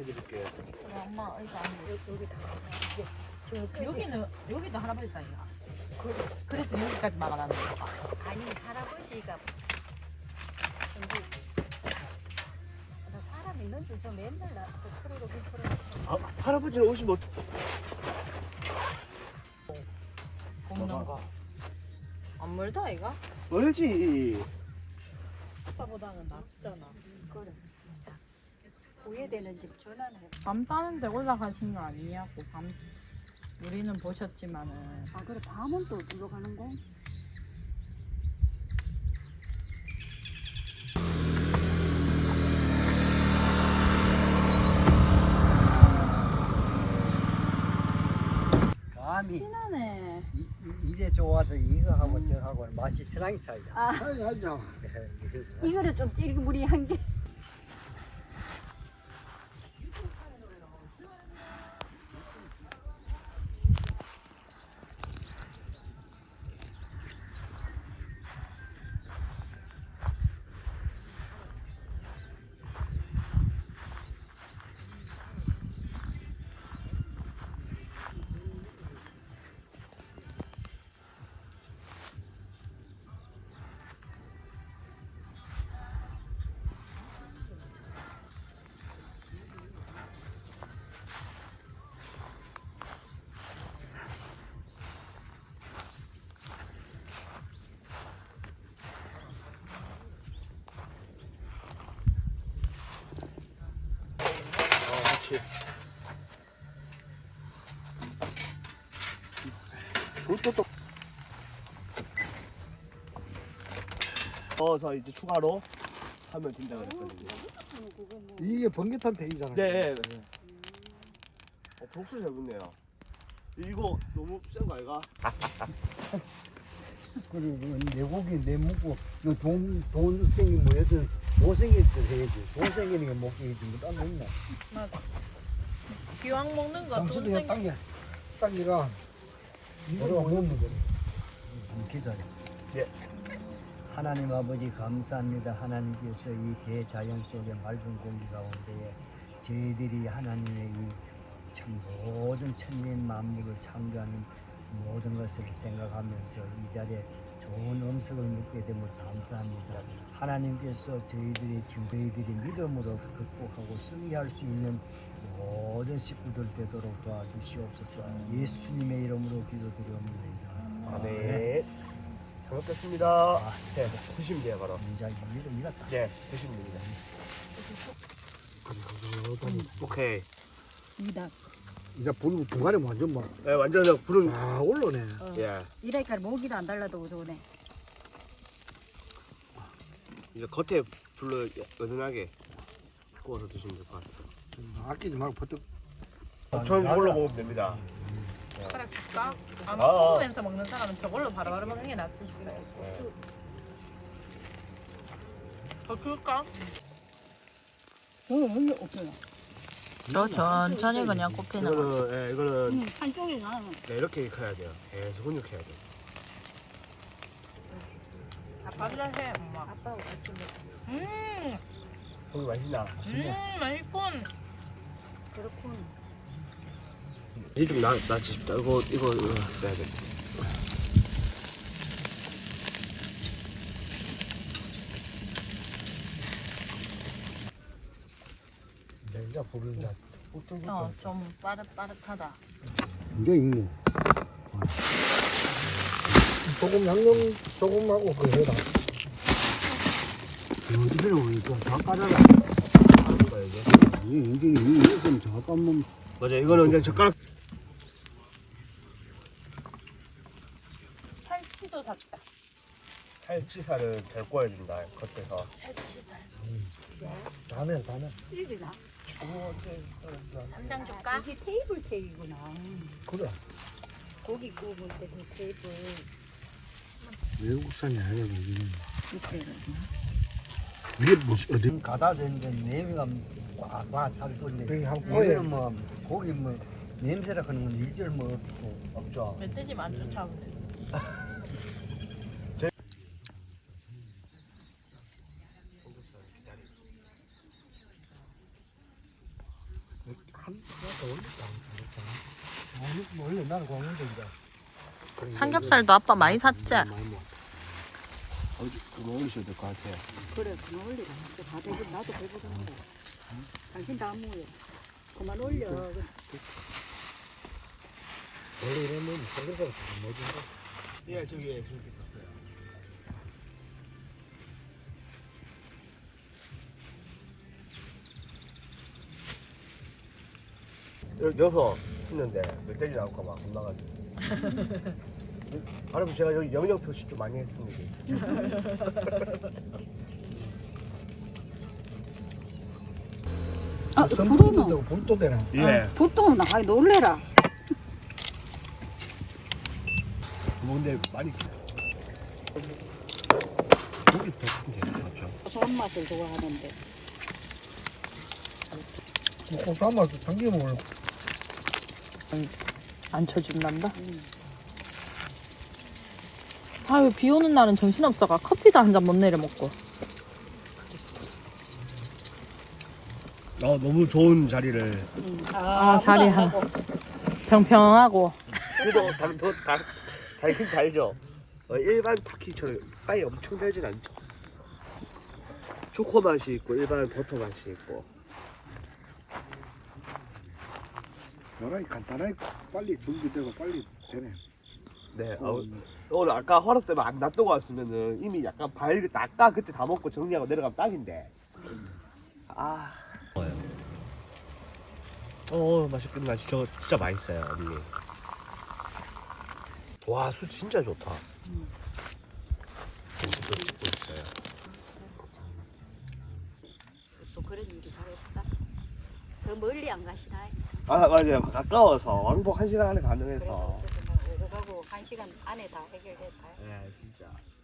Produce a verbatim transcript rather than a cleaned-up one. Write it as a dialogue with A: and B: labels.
A: 드릴게.
B: 그래, 엄마 의자 안 돼.
C: 여기, 여기 다. 저
B: 여기는 여기도 할아버지 땅이야.
C: 그래.
B: 그래서 여기까지 막아놨는 거야.
C: 아니 할아버지가 근데 나 사람 있는 줄저 맨날 나 프로로 프로.
A: 아, 할아버지는 오시면
B: 굽는 거. 안 멀다 이가?
A: 멀지.
B: 아빠보다는 낫잖아.
C: 그래. 후회되는 집 전화는 해.
B: 밤 따는데 올라가신 거 아니냐고. 밤 우리는 보셨지만은.
C: 아 그래 밤은 또 들어가는 거?
D: 감이
C: 피나네.
D: 이, 이- 이래 좋아서 이거 하고 저 하고 맛이 천하게 차이다.
C: 아
A: 아니, 아니야.
C: 이거는 좀 찔그무리한 게.
A: 어, 그렇지. 그것도 또. 넣어서 이제 추가로 하면 된다 그랬거든요.
E: 이게 번개탄 대기잖아요.
A: 네. 네. 어, 독수 잘 붙네요. 이거 너무 센 거 아이가?
E: 그리고 내 고기 내 묵고 돈, 돈 생기 뭐여든 못생겼을 해야지. 돈 생기는 게 먹기지 뭐딴 거 있나?
B: 맞아. 기왕 먹는 거
E: 당신도
B: 돈
E: 그냥
B: 생.
E: 당겨. 당기가 이거 먹는 거.
D: 기도해.
A: 예.
D: 하나님 아버지 감사합니다. 하나님께서 이 대자연 속의 맑은 공기 가운데에 저희들이 하나님의 이 참 모든 천진 만물을 창조하는 모든 것을 생각하면서 이 자리에 좋은 음식을 먹게 됨을 감사합니다. 하나님께서 저희들이 지금 저희들이 믿음으로 극복하고 승리할 수 있는 모든 식구들 되도록 도와주시옵소서. 예수님의 이름으로 기도드립니다.
A: 아, 네. 잘 먹겠습니다. 네, 드시면 돼요, 바로.
D: 이제 믿음 이겼다.
A: 네, 드시면 됩니다. 오케이.
C: 이다.
E: 이제 불 중간에 완전 막,
A: 네, 완전 그냥 불은.
E: 아, 올라오네.
A: 예.
C: 이래니까 모기도 안 달라도 좋네.
A: 이제 겉에 불로 은은하게 구워서 드시면 될 것 같아요.
E: 아끼지 말고 버뜩.
A: 저는 이걸로 먹으면 됩니다.
B: 숟가락 줄까? 안
A: 아, 아.
B: 먹으면서 먹는 사람은 저걸로 바로바로 먹는 게 낫지 싶어요.
A: 네.
B: 더 줄까?
C: 저는 원래 없어요.
B: 저 천천히 그냥 꼽히는 거.
A: 이거는, 예, 이거는
C: 한쪽이 나는.
A: 네, 이렇게 커야 돼요. 계속 훈육해야 돼요.
B: 아빠보다 해, 엄마.
C: 아빠하고 같이 먹.
B: 음,
A: 고기 맛있나?
B: 음, 맛있군.
C: 그렇군.
A: 이제 좀 나, 낫지 싶다. 이거, 이거, 이거 해야 돼.
E: 이제 불을 이제
B: 어, 좀 빠릇빠릇하다.
E: 이게 있네. 소금 양념 소금하고 그 해라. 어디로 좀다 까져라.
A: 하는 이게.
E: 이게 이게 이게 좀 잠깐만.
A: 맞아, 이거는 그냥 젓가락.
B: 살치도 샀다.
A: 살치살은 잘 구워야 된다, 겉에서.
B: 살치살.
E: 다네 다네.
C: 일이나.
B: 삼장 줄까?
C: 이게 테이블 테이구나.
E: 그래.
C: 고기 구울 때그 테이블.
E: 외국산이 아니야 여기는.
C: 이렇게.
E: 이게 무슨 어디?
D: 지금 가다 되는데 냄새가 와잘 돌네.
E: 여기 한
D: 여기는
E: 꼬에
D: 뭐 고기 뭐 냄새라 하는 건 일절 뭐 없고.
A: 없죠.
B: 멧돼지만 안 쫓아오네.
E: 나는 광문도 이제.
B: 삼겹살도 아빠 많이 샀지?
A: 어디 그거 올리셔야 될 것 같아요.
C: 그래 그만 올리라. 다 배부 나도 배부른데. 당신 다 모여. 그만 올려.
E: 원래 이러면 삼겹살 뭐지?
A: 예, 저기 저기 있어요. 여, 여섯 했는데 멧돼지 나올까 봐 겁나가지고. 바로 제가 여기 영역 표시 좀 많이 했습니다.
C: 아
E: 선풍기
C: 불어는.
E: 든다고 불도 되나?
A: 예.
C: 불똥은 아 놀래라.
A: 뭐 근데 많이 고기 더 큰데 그렇죠.
C: 고소한 맛을 좋아하는데.
E: 먹고 삶아서 당겨 먹으려.
B: 안 쳐준단다?
C: 음.
B: 아유, 비 오는 날은 정신없어가 커피도 한 잔 못 내려 먹고.
A: 어 너무 좋은 자리를.
C: 음.
B: 아, 자리 한. 평평하고.
A: 그래도 당도 달 달긴 달죠. 어, 일반 쿠키처럼 빵이 엄청 달진 않죠. 초코 맛이 있고 일반 버터 맛이 있고.
E: 요란히 간단하게 빨리 준비되고 빨리 되네.
A: 네. 어, 오늘 아까 허락 때문에 안 놔두고 왔으면은 이미 약간 발그 아까 그때 다 먹고 정리하고 내려가면 딱인데. 아. 어 맛있긴 맛이 저 진짜 맛있어요 언니. 와 술 진짜 좋다.
C: 음.
A: 진짜 찍고 있어요.
C: 또 그런 일이 잘 없다. 더 멀리 안 가시나?
A: 아 맞아요 가까워서 왕복 한 시간 안에
C: 그래서
A: 가능해서.
C: 어쨌든 오고 가고 한 시간 안에 다 해결됐다.
A: 네 진짜.